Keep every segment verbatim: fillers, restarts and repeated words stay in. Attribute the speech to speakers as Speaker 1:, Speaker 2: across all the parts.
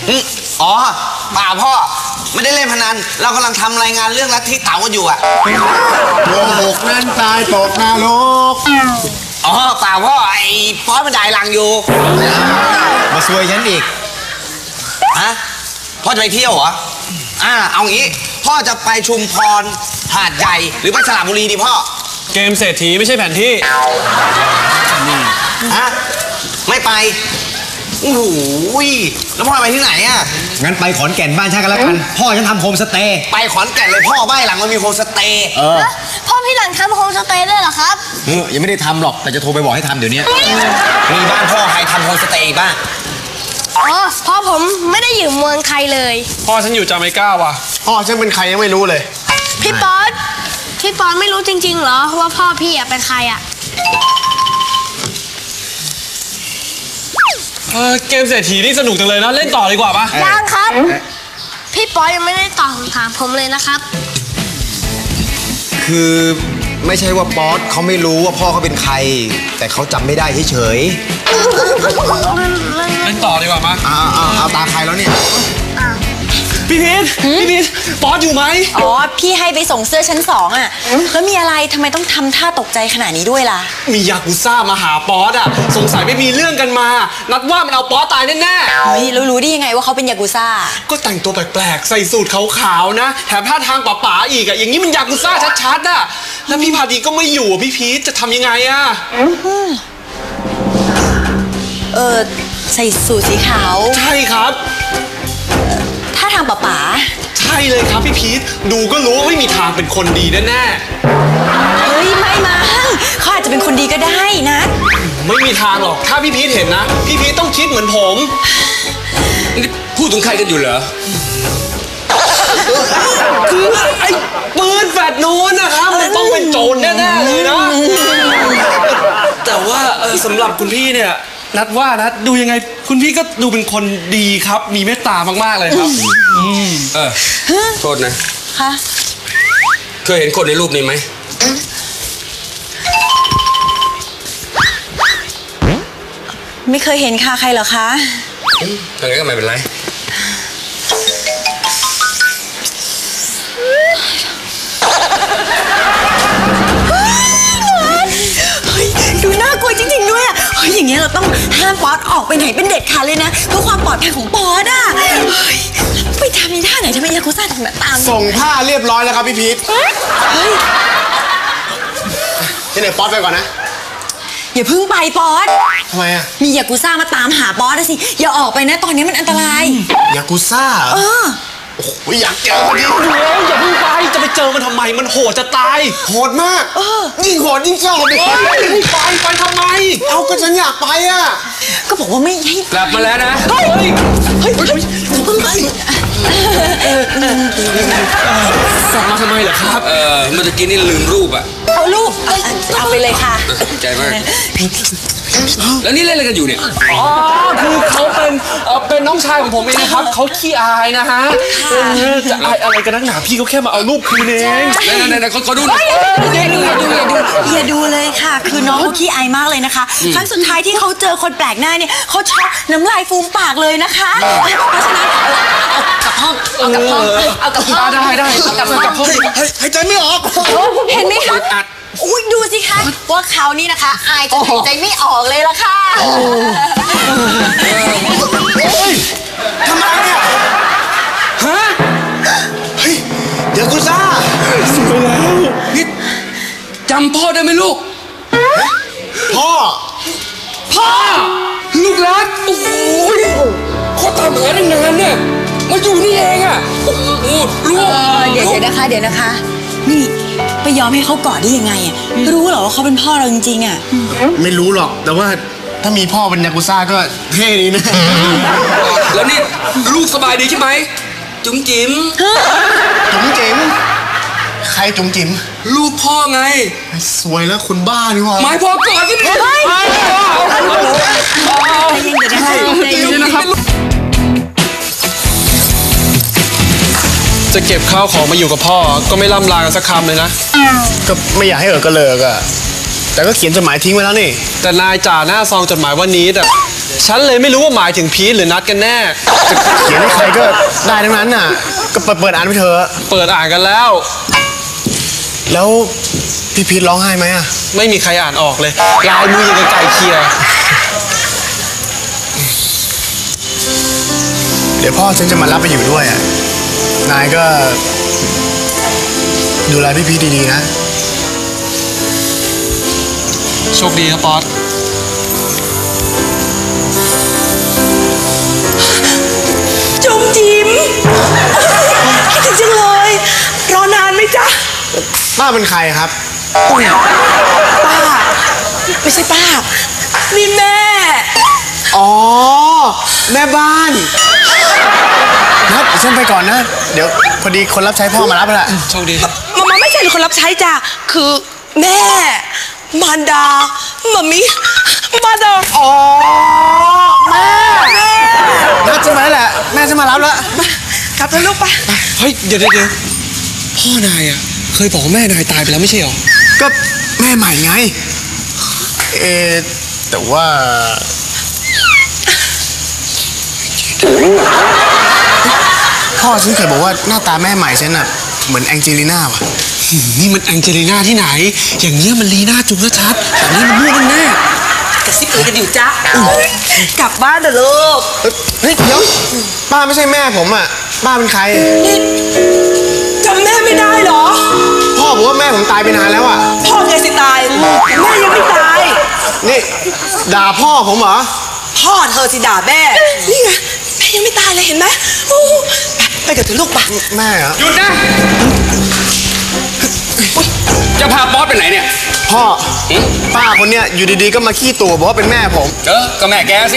Speaker 1: อ๋อเปล่าพ่อไม่ได้เล่นพนันเรากำลังทำรายงานเรื่องลัทธิเต๋ากันอยู่อะ
Speaker 2: โกหกนั้นตายตกนรก
Speaker 1: อ๋อเปล่าพ่อไอ้ป๊อตมันด่าหลังอยู่
Speaker 2: มาซวยฉันอีก
Speaker 1: ฮะพ่อจะไปเที่ยวเหรออ่าเอางี้พ่อจะไปชุมพรหาดใหญ่หรือไปสระบุรีดีพ่อ
Speaker 3: เกมเศรษฐีไม่ใช่แผนที่
Speaker 1: ฮะไม่ไปโอ้โหแล้วพ่อไปที่ไหนอ่ะ
Speaker 2: งั้นไปขอนแก่นบ้านฉันกันแล้วกันพ่อฉันทำโฮมสเตย์
Speaker 1: ไปขอนแก่นเลยพ่อบ้านหลังมันมีโฮมสเตย์
Speaker 2: เออ
Speaker 4: พ่อพี่หลังทำโฮมสเตย์ได้เหรอครับ
Speaker 2: เออยังไม่ได้ทำหรอกแต่จะโทรไปบอกให้ทำเดี๋ยวนี้
Speaker 1: มีบ้านพ่อใครทำโฮมสเตย์บ้าง
Speaker 4: อ๋อพ่อผมไม่ได้อยู่เมืองใครเลย
Speaker 3: พ่อฉันอยู่จาเมกาว่ะ
Speaker 2: พ่อฉันเป็นใครยังไม่รู้เลย
Speaker 4: พี่ป๊อตพี่ป๊อตไม่รู้จริงๆเหรอว่าพ่อพี่เป็นใครอ่ะ
Speaker 3: เออเกมเศรษฐีนี่สนุกจังเลยนะเล่นต่อดีกว่าปะ
Speaker 4: ยังครับพี่ป๊อตยังไม่ได้ตอบคำถามผมเลยนะครับ
Speaker 2: คือไม่ใช่ว่าป๊อตเขาไม่รู้ว่าพ่อเขาเป็นใครแต่เขาจำไม่ได้เฉย
Speaker 3: ๆเล่นต่อดีกว่ามั้ย
Speaker 2: เอาเอาเอาตาใครแล้วเนี่ย
Speaker 3: พี่พีทพี่พีทป๊อตอยู่ไหม
Speaker 5: อ๋อพี่ให้ไปส่งเสื้อชั้นสองอ่ะแล้วมีอะไรทำไมต้องทำท่าตกใจขนาดนี้ด้วยล่ะ
Speaker 3: มียากุซ่ามาหาป๊อตอ่ะสงสัยไม่มีเรื่องกันมานัดว่ามันเอาป๊อตตายแน่ๆ
Speaker 5: เฮ้ยแล้วรู้ได้ยังไงว่าเขาเป็นยากุซ่า
Speaker 3: ก็แต่งตัวแปลกๆใส่สูทขาวๆนะแถมท่าทางป๋าๆอีกอ่ะอย่างนี้มันยากุซ่าชัดๆอ่ะแล้วพี่พาดีก็ไม่อยู่พี่พีทจะทำยังไงอ่ะ
Speaker 5: เออใส่สูทสีขาว
Speaker 3: ใช่ครับ
Speaker 5: ท่าทางป๋าป๋า
Speaker 3: ใช่เลยครับพี่พีทดูก็รู้ว่าไม่มีทางเป็นคนดีแน่
Speaker 5: ๆเฮ้ยไม่มั้งเขาอาจจะเป็นคนดีก็ได้นะ
Speaker 3: ไม่มีทางหรอกถ้าพี่พีทเห็นนะพี่พีทต้องคิดเหมือนผม
Speaker 1: พูดถึงใครกันอยู่เหรอ
Speaker 3: คือไอ้ปืนแฟดนู้นนะครับมันต้องเป็นโจรแน่ๆเลยนะแต่ว่าสำหรับคุณพี่เนี่ยนัดว่านะดูยังไงคุณพี่ก็ดูเป็นคนดีครับมีเมตตามากๆเลยครับ
Speaker 1: เออโทษนะ
Speaker 5: ค่ะ
Speaker 1: เคยเห็นคนในรูปนี้ไหม
Speaker 5: ไม่เคยเห็นค่ะใครเหรอคะ
Speaker 1: ถ้างั้นก็ไม่เป็นไร
Speaker 5: ดูน่ากลัวจริงๆด้วยอ่ะเฮ้ยอย่างเงี้ยเราต้องห้ามป๊อตออกไปไหนเป็นเด็ดขาดเลยนะเพื่อความปลอดภัยของป๊อตอ่ะไปทำในท่าไหนทำไมยากุซ่าถึงมาตาม
Speaker 2: ส่งผ้าเรียบร้อยแล้วครับพี่พีทเฮ้ยที่ไหนป๊อตไปก่อนนะ
Speaker 5: อย่าเพิ่งไปป๊อต
Speaker 2: ทำไมอ่ะ
Speaker 5: มียากุซ่ามาตามหาป๊อตสิอย่าออกไปนะตอนนี้มันอันตราย
Speaker 2: ยากุซ่า
Speaker 5: เออ
Speaker 2: โอ้ยอยากเจอมันดิ
Speaker 3: อย่าเพิ่งไปจะไปเจอมันทำไมมันโหดจะตาย
Speaker 2: โหดมากยิ่งโหดยิ่งชอบเลย
Speaker 3: ไปไปทำไม
Speaker 2: เอาก็ฉันอยากไปอ่ะ
Speaker 5: ก็บอกว่าไม่ให้
Speaker 1: กลับมาแล้วนะ
Speaker 5: เฮ้ยเฮ้ยเฮ้ยเพิ่งไป
Speaker 3: กลับมาทำไมเหรอครับ
Speaker 1: เออเมื่อกี้นี่ลืมรูปอ่ะ
Speaker 5: เอารูปเอาไปเลยค่ะ
Speaker 1: ใจมากแล้วนี่เล่นอะไรกันอยู่เนี่ย
Speaker 3: อ๋อคือเขาเป็นเป็นน้องชายของผมเองนะครับเขาขี้อายนะฮะจะอายอะไรกันนักหนาพี่เขาแค่มาเอารูปคืนเอง
Speaker 1: ไหนๆๆเขาดูหน่อย
Speaker 5: อย่าดูอย่าดูอย่าดูอย่าดูเลยค่ะคือน้องเขาขี้อายมากเลยนะคะครั้งสุดท้ายที่เขาเจอคนแปลกหน้าเนี่ยเขาช็อกน้ำลายฟูมปากเลยนะคะเพราะฉะนั้นเอากลับห้องเอากลับห้องเอากลับห้อง
Speaker 3: ได้ได้เอากลับกลับห้อง
Speaker 2: หายใจไม่ออก
Speaker 5: เห็นไหมคะอุ้ยดูสิคะว่าเขานี่นะคะอายจนหายใจไม่ออกเลยล่ะค่ะ
Speaker 2: ทำไมเนี่ย
Speaker 3: ฮะ
Speaker 2: เฮ้ยยากุซ่า
Speaker 3: สวยแล้ว
Speaker 1: นี่จำพ่อได้ไหมลูก
Speaker 2: พ่อ
Speaker 1: พ่อลูกรักโอ้ยเขาตามหาตั้งนานเนี่ยมาอยู่นี่เองอ่ะโอ้โหลูก
Speaker 5: เดี๋ยวเดี๋ยวนะคะเดี๋ยวนะคะนี่ไปยอมให้เขากอดได้ยังไงอ่ะรู้เหรอว่าเขาเป็นพ่อเราจริงๆอ่ะ
Speaker 2: ไม่รู้หรอกแต่ว่าถ้ามีพ่อเป็นยากุซ่าก็เท่ดีนะ
Speaker 1: แล้วนี่ลูกสบายดีใช่ไหมจุ๋มจิ๋ม
Speaker 2: จุ๋มจิ๋มใครจุ๋มจิ๋ม
Speaker 1: ลูกพ่อไง
Speaker 2: สวยแล้วคุณบ้านี่วะ
Speaker 1: หมายพ่อก่อนที่นี่
Speaker 3: ใจเย็นนะครับจะเก็บข้าวของมาอยู่กับพ่อก็ไม่ล่ำลากันสักคำเลยนะ
Speaker 2: ก็ไม่อยากให้เออกระเลิกอะแต่ก็เขียนจดหมายทิ้งไว้แล้วนี่
Speaker 3: แต่นายจ่าหน้าซองจดหมายวันนี้แต่ฉันเลยไม่รู้ว่าหมายถึงพีทหรือนัดกันแน่
Speaker 2: เขียนให้ใครก็ได้ทั้งนั้นน่ะ ก็เปิดเปิดอ่านไปเถอะ
Speaker 3: เปิดอ่านกันแล้ว
Speaker 2: แล้วพี่พีทร้องไห้ไหมอ่ะ
Speaker 3: ไม่มีใครอ่านออกเลยลายมือยังกับไก่เคีย
Speaker 2: เดี๋ยวพ่อฉันจะมารับไปอยู่ด้วยอ่ะ นายก็ดูแลพี่พีทดีๆนะ
Speaker 3: โชคดีครับป๊อต
Speaker 5: จุ๋มจิ๋มคิดถึงจังเลย รอนานไหมจ๊ะ
Speaker 2: ป้าเป็นใครครับ
Speaker 5: ป้า ไม่ใช่ป้า นี่แม่
Speaker 2: อ๋อ แม่บ้านครับเดี๋ยวฉันไปก่อนนะ เดี๋ยวพอดีคนรับใช้พ่อมารับแล้ว
Speaker 3: โชคดีครับ
Speaker 5: มามาไม่ใช่คนรับใช้จ้ะ คือแม่ มารดามามิมารดา
Speaker 2: อ๋อ แม่นัดใช่ไหมแหละ แม่จะมารับแล้ว
Speaker 5: กลับเถอะลูกไป
Speaker 3: เฮ้ยเดี๋ยวเดี๋ยวเดี๋ยวพ่อนายอ่ะเคยบอกว่าแม่นายตายไปแล้วไม่ใช่หรอ
Speaker 2: ก็แม่ใหม่ไง เออแต่ว่าพ่อฉันเคยบอกว่าหน้าตาแม่ใหม่ฉันน่ะเหมือนแองเจลิน่าว่ะ
Speaker 3: นี่มันแองเจลิน่าที่ไหน อย่างเงี้ยมันลีน่าจุ๊บชัดๆแบบนี้มันมั่วแน่
Speaker 5: กระซิบเอ๋ยกันอยู่จ้ะกลับบ้านเถอะลูก
Speaker 2: เฮ้ยเดี๋ยวป้าไม่ใช่แม่ผมอ่ะป้าเป็นใคร
Speaker 5: นี่จำแม่ไม่ได้เหรอ
Speaker 2: พ่อบอกว่าแม่ผมตายไปนานแล้วอ่ะ
Speaker 5: พ่อแกสิตาย แม่ยังไม่ตาย
Speaker 2: นี่ด่าพ่อผมเหรอ
Speaker 5: พ่อเธอสิด่าแม่ นี่ไงแม่ยังไม่ตายเลยเห็นไหมโอ้ไปไปกับเธอลูกไป
Speaker 2: แม่เหรอ
Speaker 1: หยุดนะ จะพาป๊อตไปไหนเนี่ย
Speaker 2: พ่อป้าคนเนี้ยอยู่ดีๆก็มาขี้ตัวบอกว่าเป็นแม่ผม
Speaker 1: เออก็แม่แกสิ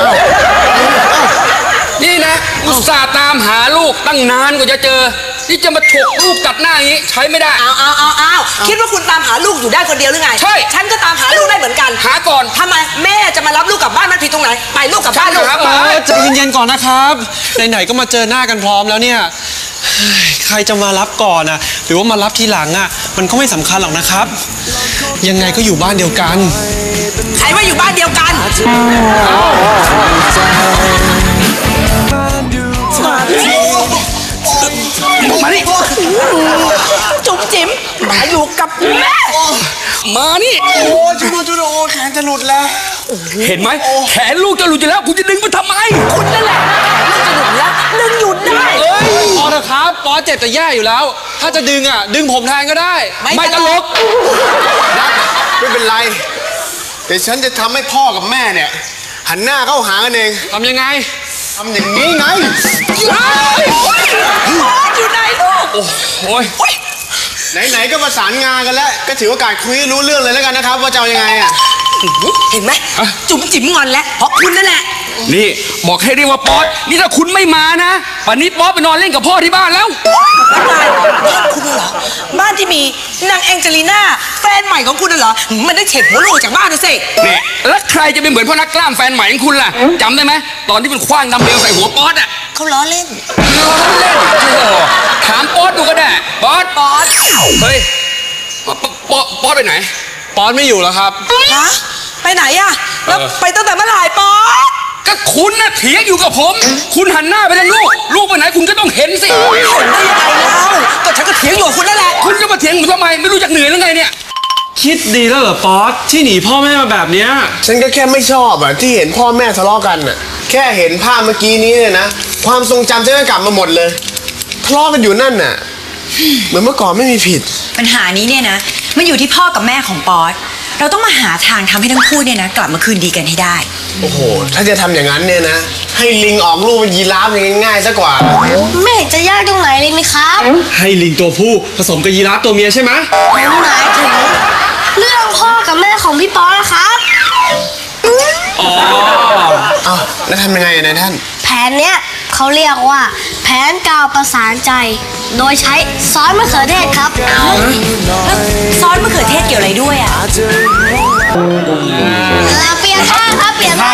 Speaker 1: นี่นะอุตส่าห์ตามหาลูกตั้งนานกว่าจะเจอ นี่จะมาฉกลูกตัดหน้าอย่างนี้ใช้ไม่ได้
Speaker 5: เอาเอาเอาเอาคิดว่าคุณตามหาลูกอยู่ได้คนเดียวหรือไง
Speaker 1: ใช่
Speaker 5: ฉันก็ตามหาลูกได้เหมือนกัน
Speaker 1: หาก่อน
Speaker 5: ทำไมแม่จะมารับลูกกลับบ้านมันผิดตรงไหน ไปลูกกลับบ้านลูก
Speaker 1: ครับ
Speaker 3: ๆเออใจเย็นๆก่อนนะครับ ไหนๆก็มาเจอหน้ากันพร้อมแล้วเนี่ยเฮ้ยใครจะมารับก่อนอะหรือว่ามารับทีหลังอะมันก็ไม่สำคัญหรอกนะครับ ยังไงก็อยู่บ้านเดียวกัน
Speaker 5: ใครว่าอยู่บ้านเดียวกันมาดิจุ๋มจิ๋มมาอยู่กับแม่
Speaker 1: มานี่
Speaker 2: โอ้จุดจุดโอ้แขนจะหลุดแล้ว
Speaker 1: เห็นไหมแขนลูกจะหลุดอยู่แล้วคุณจะดึงมันทำไม
Speaker 5: คุณนั่นแหละลูกจะหยุดแล้วดึงหยุดได้
Speaker 3: เอ้ยพอเถอะครับป๊อตเจ็บจะแย่อยู่แล้ว ถ้าจะดึงอะดึงผมแทนก็ได้
Speaker 1: ไม่ตลก
Speaker 2: นัดไม่เป็นไรเดี๋ยวฉันจะทำให้พ่อกับแม่เนี่ย หันหน้าเข้าหากันเอง
Speaker 3: ทำยังไง
Speaker 2: ทำอย่างนี้ไง
Speaker 5: อยู่ไหนลูก
Speaker 1: โอ้ย
Speaker 2: ไหนๆก็ประสานงานกันแล้ว ก็ถือโอกาสคุยให้รู้เรื่องเลยแล้วกันนะครับ ว่าจะเอายังไงอ่ะ
Speaker 5: เห็นไหมจุ๋มจิ๋มงอนแล้วเพราะคุณนั่นแหละ
Speaker 1: นี่บอกให้เรียกว่าป๊อตนี่ถ้าคุณไม่มานะป่านนี้ป๊อตไปนอนเล่นกับพ่อที่บ้านแล้ว
Speaker 5: บ้านบ้านคุณเหรอบ้านที่มีนางแองเจลิน่าแฟนใหม่ของคุณน่ะเหรอมันได้เฉดหัวลูกจากบ้านนะสิ
Speaker 1: เนี่ยแล้วใครจะเป็นเหมือนพ่อนักกล้ามแฟนใหม่ของคุณล่ะจำได้ไหมตอนที่มันคว้างดัมเบลใส่หัวป๊อตอ่ะ
Speaker 5: เขาล้อเล่น
Speaker 1: ล้อเล่นโอ้โหถามป๊อตดูก็ได้ป๊อต
Speaker 5: ป๊อต
Speaker 1: เฮ้ยป๊อตป๊อตป๊อตไปไหน
Speaker 3: ป๊อตไม่อยู่แล้วครับ
Speaker 5: ฮะไปไหนอะแล้ว
Speaker 1: เออ
Speaker 5: ไปตั้งแต่เมื่อไหร่ป๊อต
Speaker 1: ก็คุณน่ะเถียงอยู่กับผม คุณหันหน้าไปทางลูกลูกไปไหนคุณก็ต้องเห็นสิ
Speaker 5: เห็นได้ยังไงเล่าก็ฉันก็เถียงอยู่กับคุณนั่นแหละ
Speaker 1: คุณจะมาเถียงผมทำไมไม่รู้จักเหนื่อยหรือไงเนี่ย
Speaker 3: คิดดีแล้วเหรอป๊อตที่หนีพ่อแม่มาแบบเนี้ย
Speaker 2: ฉันก็แค่ไม่ชอบอ่ะที่เห็นพ่อแม่ทะเลาะกันอ่ะ แค่เห็นภาพเมื่อกี้นี้เนี่ยนะ ความทรงจำฉันก็กลับมาหมดเลย ทะเลาะกันอยู่นั่นน่ะ เหมือนเมื่อก่อนไม่มีผิด
Speaker 6: ปัญหานี้เนี่ยนะมันอยู่ที่พ่อกับแม่ของป๊อตเราต้องมาหาทางทำให้ทั้งคู่เนี่ยนะกลับมาคืนดีกันให้ได้
Speaker 2: โอ้โห ถ้าจะทำอย่างนั้นเนี่ยนะ ให้ลิงออกลูกเป็นยีราฟอย่างง่ายๆซะกว่า
Speaker 4: ไม่เห็นจะยากตรงไหนเลยนะครับ
Speaker 3: ให้ลิงตัวผู้ผสมกับยีราฟตัวเมียใช่ไหม
Speaker 4: ผมหมายถึงเรื่องพ่อกับแม่ของพี่ป๊อตนะครับ
Speaker 3: อ๋อ
Speaker 2: เอ้าแล้วทำยังไงอะนายท่าน
Speaker 4: แผนเนี้ยเขาเรียกว่า แผนกาวประสานใจ โดยใช้ซอสมะเขือเทศครับ
Speaker 6: แล้วซอสมะเขือเทศเกี่ยวอะไรด้วยอ่ะ
Speaker 4: เออเปลี่ยนท่าครับเปลี่ยนท่า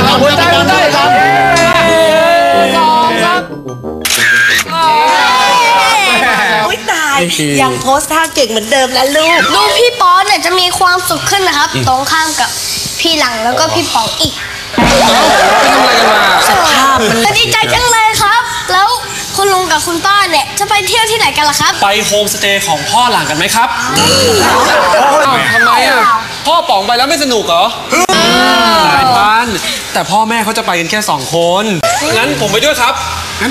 Speaker 5: โอ๊ยตายยังโพสท่าเก่งเหมือนเดิมแล้วลูก
Speaker 4: ดูพี่ป๊อตเนี่ยจะมีความสุขขึ้นนะครับ ตรงข้ามกับพี่หลังแล้วก็พี่ป๋องอีก
Speaker 3: ไปทำอะไรกันมา
Speaker 6: สภาพมัน
Speaker 4: ดีใจจังเลยครับ แล้วคุณลุงกับคุณป้าเนี่ยจะไปเที่ยวที่ไหนกันล่ะครับ
Speaker 3: ไปโฮมสเตย์ของพ่อหลังกันไหมครับอ้าวทำไมอ่ะพ่อป๋องไปแล้วไม่สนุกเหรอหลายพันแต่พ่อแม่เขาจะไปกันแค่สองคนงั้นผมไปด้วยครับงั้น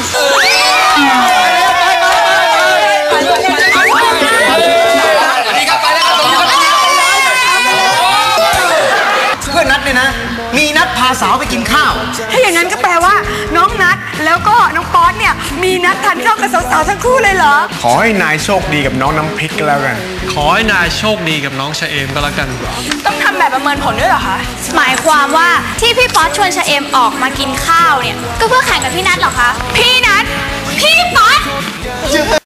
Speaker 7: เพื่อนนัดเนี่ยนะ มีนัดพาสาวไปกินข้าว
Speaker 5: ถ้าอย่างนั้นก็แปลว่าน้องนัดแล้วก็น้องป๊อตเนี่ยมีนัดทานข้าวกับสาวๆทั้งคู่เลยเหรอ
Speaker 2: ขอให้นายโชคดีกับน้องน้ำพริกก็แล้วกัน
Speaker 3: ขอให้นายโชคดีกับน้องชะเอมก็แล้วกัน
Speaker 5: ต้องทำแบบประเมินผลด้วยเหรอคะ
Speaker 8: หมายความว่าที่พี่ป๊อตชวนชะเอมออกมากินข้าวเนี่ย ก็เพื่อแข่งกับพี่นัทเหรอคะ
Speaker 5: พี่นัด
Speaker 8: พี่ป๊อต